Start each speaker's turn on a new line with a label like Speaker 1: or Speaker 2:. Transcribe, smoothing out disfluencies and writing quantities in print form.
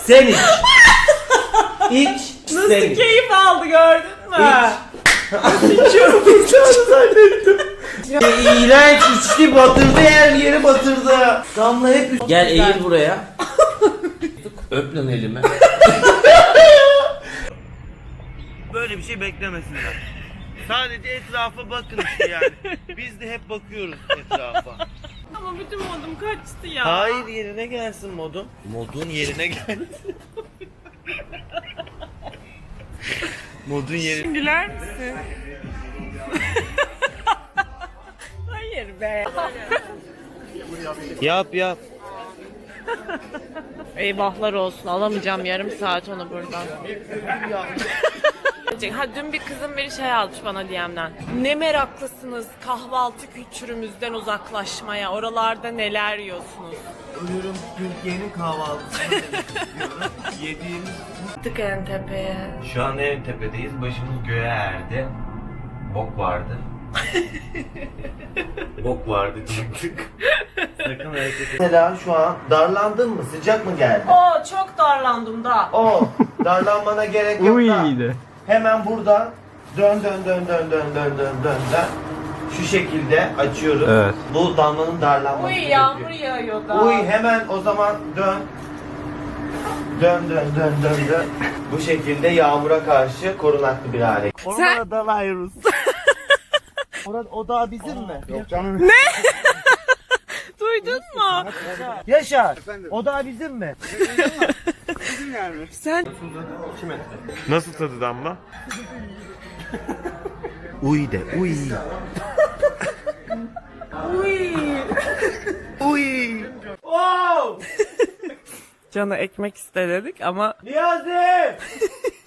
Speaker 1: Sen iç. İç.
Speaker 2: Nasıl
Speaker 1: sen iç.
Speaker 2: keyif aldı gördün mü?
Speaker 1: İçiyorum bıçağını zannettim. İğrenç içti, batırdı, her yeri batırdı. Damla hep... Gel eğil buraya. Öp lan elimi. Böyle bir şey beklemesinler. Sadece etrafa bakın işte yani. Biz de hep bakıyoruz etrafa.
Speaker 2: Ama bütün modum kaçtı ya.
Speaker 1: Hayır, yerine gelsin modun. Modun yerine gelsin. Modun yerine...
Speaker 2: Güler misin? Hayır be.
Speaker 1: Yap yap.
Speaker 2: Eyvahlar olsun, alamayacağım yarım saat onu buradan. Ha, dün bir kızım bir şey almış bana DM'den. Ne meraklısınız kahvaltı kültürümüzden uzaklaşmaya. Oralarda neler yiyorsunuz?
Speaker 1: Ölürüm Türkiye'nin kahvaltısını demek istiyorum. Yediğimiz...
Speaker 2: Gittik en tepeye.
Speaker 1: Şu an en tepedeyiz. Başımız göğe erdi. Bok vardı. Bok vardı çıktık. Sakın hareket etme. Mesela şu an darlandın mı? Sıcak mı geldi?
Speaker 2: Oo, çok darlandım da.
Speaker 1: Darlanmana gerek yok da. Hemen buradan dön. Şu şekilde açıyoruz.
Speaker 3: Evet.
Speaker 1: Bu damlanın darlanması
Speaker 2: Uy,
Speaker 1: gerekiyor.
Speaker 2: yağmur yağıyor da.
Speaker 1: Uy, hemen o zaman dön. Dön. Bu şekilde yağmura karşı korunaklı bir hale. Orada dalıyoruz. O dağ bizim mi?
Speaker 3: Yok canım.
Speaker 2: Duydun mu?
Speaker 1: Yaşar. O dağ bizim mi?
Speaker 3: Bizim yani.
Speaker 2: Sen
Speaker 1: Nasıl tadı damla? Uy de uy.
Speaker 2: uy.
Speaker 1: Uy. Wow.
Speaker 2: Can'a ekmek iste dedik ama
Speaker 1: Niyazi.